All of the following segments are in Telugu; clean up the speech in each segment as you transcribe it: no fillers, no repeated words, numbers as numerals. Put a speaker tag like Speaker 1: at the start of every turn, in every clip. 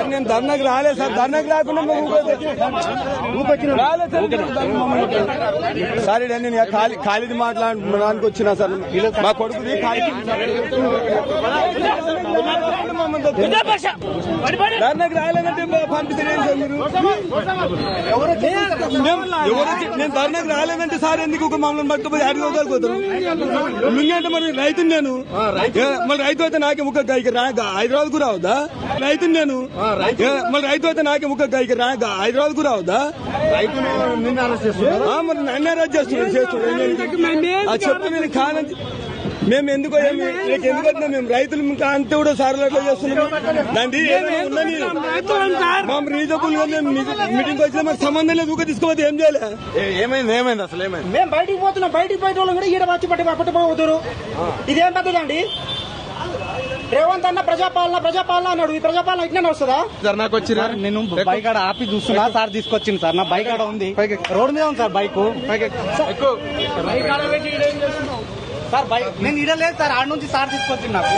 Speaker 1: సార్ నేను ధర్నాకి రాలేదు సార్, ధర్నాకి రాకుండా సార్ నేను ఖాళీది మాట్లాడడానికి వచ్చినా సార్, మా కొడుకుది ధర్నాకి రాలేదంటే పంపిస్తారు మీరు. నేను ధర్నాకి రాలేదంటే సార్ ఎందుకు ఒక మమ్మల్ని పట్టుకుపోయి అడిగోగలిపోతారు. మింగంటే మరి రైతుని నేను, మరి రైతు అయితే నాకే ముక్క హైదరాబాద్ కు రావద్దా? రైతుని నేను, మరి రైతు అయితే నాకే ముక్క హైదరాబాద్ కు రావద్దా? మరి నన్ను అరెస్ట్ చేస్తున్నాడు చెప్తే నేను కాదని మేము ఎందుకు వచ్చినా మేము రైతులు ఇంకా అంతే కూడా సార్లు అట్లా చేస్తున్నాం. దాన్ని మా రీజనబుల్ గా మేము మీటింగ్ వచ్చినా మాకు సంబంధం లేదు, ఊక తీసుకోవద్దు. ఏం చేయాలి? ఏమైంది అసలు ఏమైంది?
Speaker 2: మేము బయటికి పోతున్నాం, బయటికి పోయే వాళ్ళు కూడా ఈడ వచ్చి పట్టుకుపోతున్నారు. ఇదేం పెద్దదండి? రేవంత్ అన్న ప్రజాపాలన అన్నాడు, ఈ ప్రజాపాలన ఇట్లా వస్తుందా?
Speaker 3: నాకు వచ్చి నేను బైక్ ఆడ ఆపి చూస్తున్నా, సార్ తీసుకొచ్చింది సార్. నా బైక్ ఆడ ఉంది, రోడ్ మీద ఉంది సార్ బైక్. సార్ బైక్ నేను ఇడలేదు సార్, ఆడ నుంచి సార్ తీసుకొచ్చింది నాకు.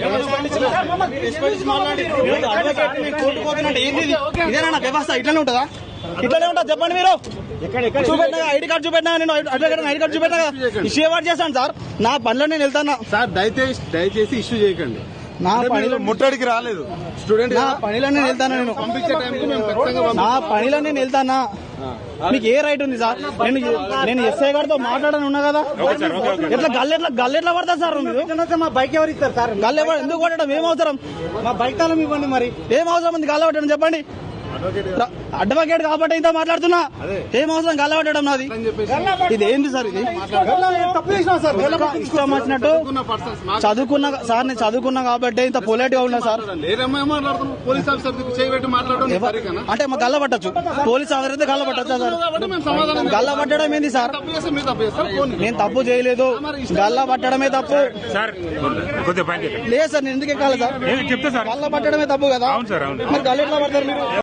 Speaker 3: ఇదేనా వ్యవస్థ? ఇట్లానే ఉంటుందా? ఇట్లానే ఉంటుందా చెప్పండి మీరు? చూపెట్టినా ఐడి కార్డు చూపెట్టినా, నేను ఐడి కార్డు చూపెట్టినా ఇష్యూ అవార్డు చేశాను సార్. నా పనిలో నేను వెళ్తాను
Speaker 1: సార్. దయచేసి ఇష్యూ చేయకండి.
Speaker 3: నా పనిలో
Speaker 1: ముట్టడికి రాలేదు స్టూడెంట్.
Speaker 3: నా పనిలో నేను వెళ్తాను, నేను
Speaker 1: పంపించే టైంకి
Speaker 3: నా పనిలో నేను వెళ్తానా. మీకు ఏ రైట్ ఉంది సార్? నేను ఎస్ఐ గారితో మాట్లాడని ఉన్నా కదా. ఎట్లా గల్లెట్లా పడతా సార్? మా బైక్ ఎవరు ఇస్తారు సార్? గల్లె ఎందుకు కొట్టడం? ఏం అవసరం? మా బైక్ తాళం ఇవ్వండి. మరి ఏం అవసరం ఉంది గల్ల పట్టడం? చెప్పండి. అడ్వకేట్ కాబట్టి ఇంత మాట్లాడుతున్నా, ఏం అవసరం గల్ల పట్టడం? నాది ఇది ఏంటి సార్? ఇది ఇష్టం వచ్చినట్టు చదువుకున్నా సార్, నేను చదువుకున్నా కాబట్టి ఇంత పొలైట్ గా ఉన్నా సార్. అంటే మా గల్ల పట్టచ్చు, పోలీస్ ఆఫీసర్ అయితే గల్ల పట్టచ్చా సార్? గల్ల పట్టడం ఏంది సార్? నేను తప్పు చేయలేదు, గల్ల పట్టడమే తప్పు. లేదు సార్, నేను ఎందుకు ఎక్కాలి సార్? గల్ల పట్టడమే తప్పు కదా. మరి గల్ల ఎట్లా పడతారు మీరు?